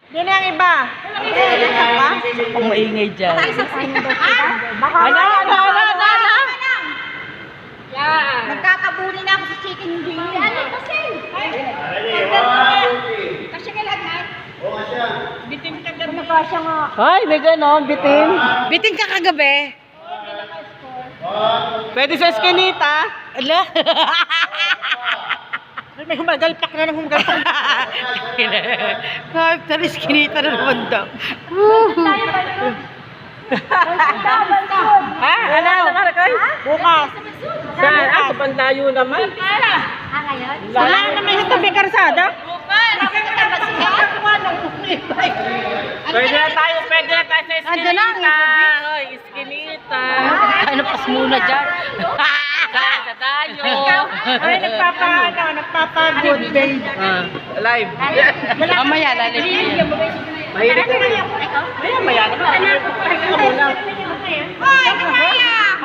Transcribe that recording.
Di na yung iba. Kung maingay dyan. Ano? Yan. Nagkakabuli na ako sa chicken wing. Ano kasi? Kasi kailangan. Bitin ka gabi. Ano ba siya nga? Ay, may ganon, bitin. Bitin ka kagabi. Pwede sa eskinita. Ala. May humagalpak na ng humagalpak. Kahit talis kinita na naman daw. Ha? Ano? Bukas. Saan? Sa banlayo naman. Ngayon? Wala naman sa tabi karsada. Pwede na tayo sa eskinita. Andyan na, Hoy, eskinita. Ano pas muna dyan? Saan sa tayo? Ay, nagpapa-good babe. Live. Mamaya, lalagyan. Mahilig ka rin.